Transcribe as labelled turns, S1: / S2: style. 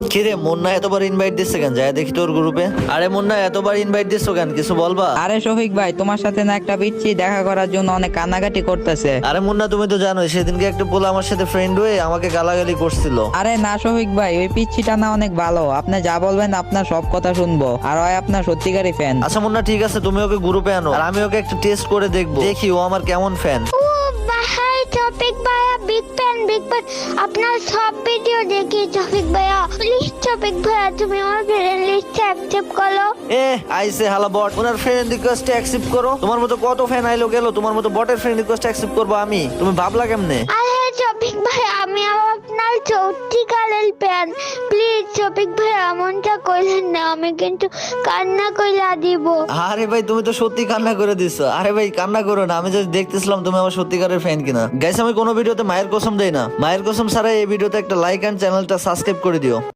S1: কিরে মুন্না এতবার ইনভাইট দিচ্ছে কেন? যায় দেখি তোর গ্রুপে। আরে মুন্না এতবার ইনভাইট দিচ্ছ কেন, কিছু বলবা?
S2: আরে শফিক ভাই, তোমার সাথে না একটা পিচ্ছি দেখা করার জন্য অনেক কান্নাকাটি করতেছে।
S1: আরে মুন্না তুমি তো জানোই সেদিনকে একটা পোলা আমার সাথে ফ্রেন্ড হয়ে আমাকে গালাগালি করছিল।
S2: আরে না শফিক ভাই, ওই পিচ্ছিটা না অনেক ভালো, আপনি যা বলবেন আপনার সব কথা শুনবো, আর ওই আপনার সত্যিকারই ফ্যান।
S1: আচ্ছা মুন্না ঠিক আছে, তুমি ওকে গ্রুপে আনো আর আমি ওকে একটা টেস্ট করে দেখবো, দেখি ও আমার কেমন ফ্যান।
S3: ও ভাই টপিক ভাইয়া বিগ ফ্যান আপনার সব ভিডিও দেখি টপিক ভাইয়া। প্লিজ টপিক ভাইয়া তুমি আমার ফ্রেন্ড লিস্টে অ্যাকসেপ্ট করো।
S1: আইসে হালা বট, ওনার ফ্রেন্ড রিকোয়েস্ট অ্যাকসেপ্ট করো। তোমার মতো কত ফ্যান আইলো গেল, তোমার মতো বটের ফ্রেন্ড রিকোয়েস্ট অ্যাকসেপ্ট করবো আমি? তুমি ভাবলা কেমনে?
S3: আরে টপিক ভাই আমি আপনার সত্যিকারের ফ্যান, প্লিজ টপিক ভাই এমনটা কইলেন না, আমি কিন্তু কান্না কইলা দিব।
S1: আরে ভাই তুমি তো সত্যি কান্না করে দিছো। আরে ভাই কান্না করো না, আমি যদি দেখতেছিলাম তুমি আমার সত্যিকারের ফ্যান কিনা। গাইস আমি কোনো ভিডিওতে মায়ের কসম দেই না, মায়ের কসম ছাড়া এই ভিডিওতে একটা লাইক এন্ড চ্যানেলটা সাবস্ক্রাইব করে দিও।